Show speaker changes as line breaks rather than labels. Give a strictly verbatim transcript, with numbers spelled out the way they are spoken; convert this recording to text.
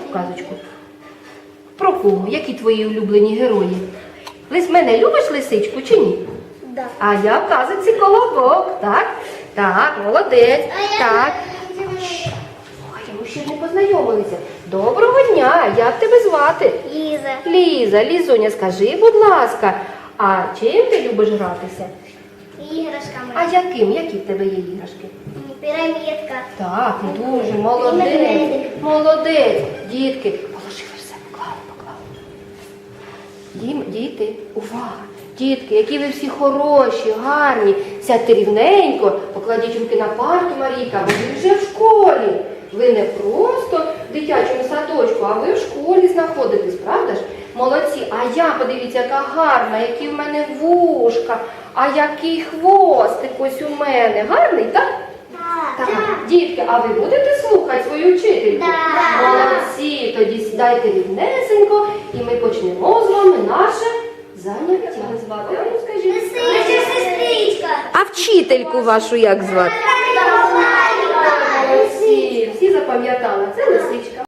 казочку. Про кого? Які твої улюблені герої? Лис мене любиш лисичку чи ні?
Да.
А я в казочці Колобок, так? Так, молодець. Так. Ой, ми ще не познайомилися. Доброго дня, як тебе звати?
Ліза.
Ліза, Лізуня, скажи, будь ласка, а чим ти любиш гратися?
Іграшками.
А яким? Які в тебе є іграшки?
Пірамідка.
Так, дуже молодець.
Медведик.
Молодець. Дітки, положили все, поклали, поклали. Дім, діти, увага. Дітки, які ви всі хороші, гарні. Сядьте рівненько, покладіть руки на парту, Марійка, бо ви вже в школі. Ви не просто в дитячому садочку, а ви в школі знаходитесь, правда ж? Молодці. А я, подивіться, яка гарна, які в мене вушка, а який хвостик ось у мене. Гарний, так?
Так.
Так. Дітки, а ви будете слухати свою вчительку?
Так.
Молодці, тоді сідайте рівнесенько і ми почнемо з вами наше заняття. Звати? А ну, скажіть.
Лисичка, сестричка.
А вчительку вашу як звати? Молодці, всі запам'ятали, це лисичка.